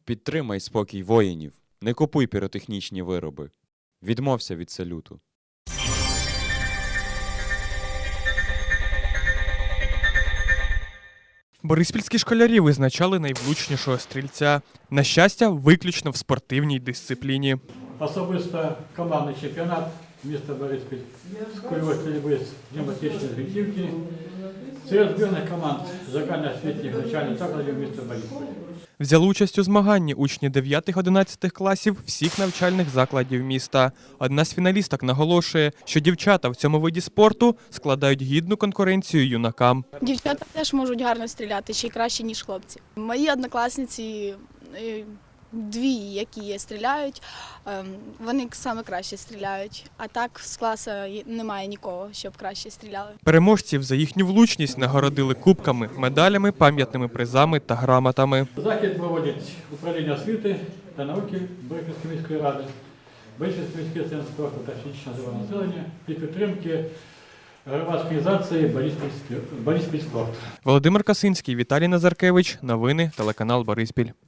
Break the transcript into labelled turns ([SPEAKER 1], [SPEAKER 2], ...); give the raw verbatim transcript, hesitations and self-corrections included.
[SPEAKER 1] Підтримай спокій воїнів. Не купуй піротехнічні вироби. Відмовся від салюту.
[SPEAKER 2] Бориспільські школярі визначали найвлучнішого стрільця. На щастя, виключно в спортивній дисципліні.
[SPEAKER 3] Особисто командний чемпіонат міста Бориспіль з кульової стрільби з пневматичної гвинтівки. Серед збірних команд загальноосвітніх навчальних закладів міста Бориспіль.
[SPEAKER 2] Взяли участь у змаганні учні дев'ятих-одинадцятих класів всіх навчальних закладів міста. Одна з фіналісток наголошує, що дівчата в цьому виді спорту складають гідну конкуренцію юнакам.
[SPEAKER 4] Дівчата теж можуть гарно стріляти, ще й краще, ніж хлопці. Мої однокласниці, е, дві, які стріляють, е, вони саме краще стріляють. А так з класу немає нікого, щоб краще стріляли.
[SPEAKER 2] Переможців за їхню влучність нагородили кубками, медалями, пам'ятними призами та грамотами.
[SPEAKER 3] Захід проводять управління освіти та науки Бориспільської міської ради, Бориспільський міський центр спорту та фізичного здоров'я населення і підтримки громадської організації «Бориспіль спорт».
[SPEAKER 2] Володимир Касинський, Віталій Назаркевич. Новини, телеканал Бориспіль.